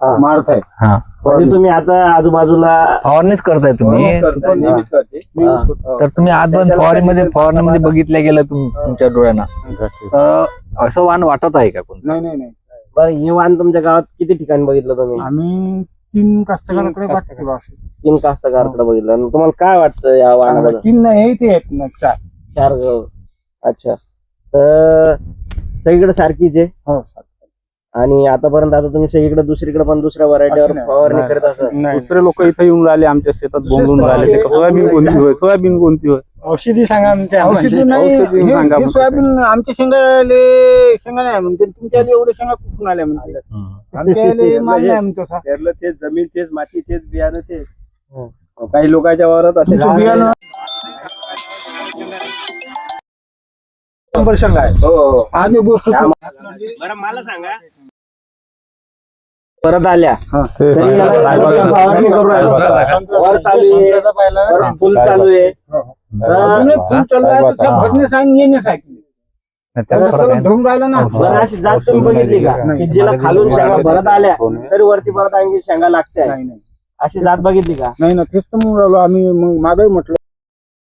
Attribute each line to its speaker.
Speaker 1: मारत आहे.
Speaker 2: हा
Speaker 3: म्हणजे तुम्ही आता आजूबाजूला
Speaker 2: फवारणीच करताय तुम्ही.
Speaker 1: नेहमीच करते.
Speaker 2: तर तुम्ही आजपर्यंत फवारणीमध्ये बघितलं गेलं तुमच्या डोळ्यांना तर असं वाण वाटत आहे का कोण?
Speaker 1: नाही.
Speaker 3: बरं, हे वाण तुमच्या गावात किती ठिकाणी बघितलं तुम्ही?
Speaker 1: आम्ही 3 कास्तकाराकडे वाटतो असं.
Speaker 3: 3 कास्तकाराकडे बघितलं. आणि तुम्हाला काय वाटतं या वाणाबद्दल?
Speaker 1: 3 नाही ते आहेत ना 4.
Speaker 3: 4 अच्छा. तर सगळीकडे सारखीच आहे.
Speaker 1: हो.
Speaker 3: आणि आतापर्यंत आता तुम्ही सगळीकडे दुसरीकडे पण दुसऱ्या व्हरायटीवर
Speaker 1: असं नाही.
Speaker 3: फवारणी करत असाल.
Speaker 1: नाही.
Speaker 4: दुसरे लोक इथे येऊन राहिले आमच्या शेतात बोंबून राहिले ते सोयाबीन कोणती होय सोयाबीन कोणती होय
Speaker 1: औषधी सांगा म्हणते. औषधी नाही.
Speaker 4: औषधी
Speaker 1: हे-
Speaker 4: सांगा
Speaker 1: हे
Speaker 4: म्हणते.
Speaker 1: सोयाबीन आमच्या शेंगा नाही म्हणते. तुमच्या एवढे शेंगा कुठून आल्या म्हणते. आमच्या माल नाही म्हणतो असा.
Speaker 4: पेरलं तेच जमीन तेच माती तेच बियाणं तेच काही लोकांच्या वावरात असे
Speaker 1: तुमचं बियाणं
Speaker 4: 100 शेंगा आहे.
Speaker 3: हो.
Speaker 1: आज एक गोष्ट
Speaker 3: बरं मला सांगा, परत आल्या
Speaker 1: हा.
Speaker 3: तरी याला फवारणी करू राहिलो. वर चालू आहे, वर फुल चालू आहे.
Speaker 1: अजूनही फुल चालू आहे तर त्या भरण्यास आणि येण्यास आहे.
Speaker 2: त्याला फरक आहे ना?
Speaker 1: ढोंग राहिला ना.
Speaker 3: बरं, अशी जात तुम्ही बघितली का
Speaker 1: नाही.
Speaker 3: की जिला खालून शेंगा भरत आल्या तरी वरती परत आणखी शेंगा लागते?
Speaker 1: नाही.
Speaker 3: अशी जात बघितली का?
Speaker 1: नाही ना तेच तर म्हणून राहिलो आम्ही. मग मागे म्हटलं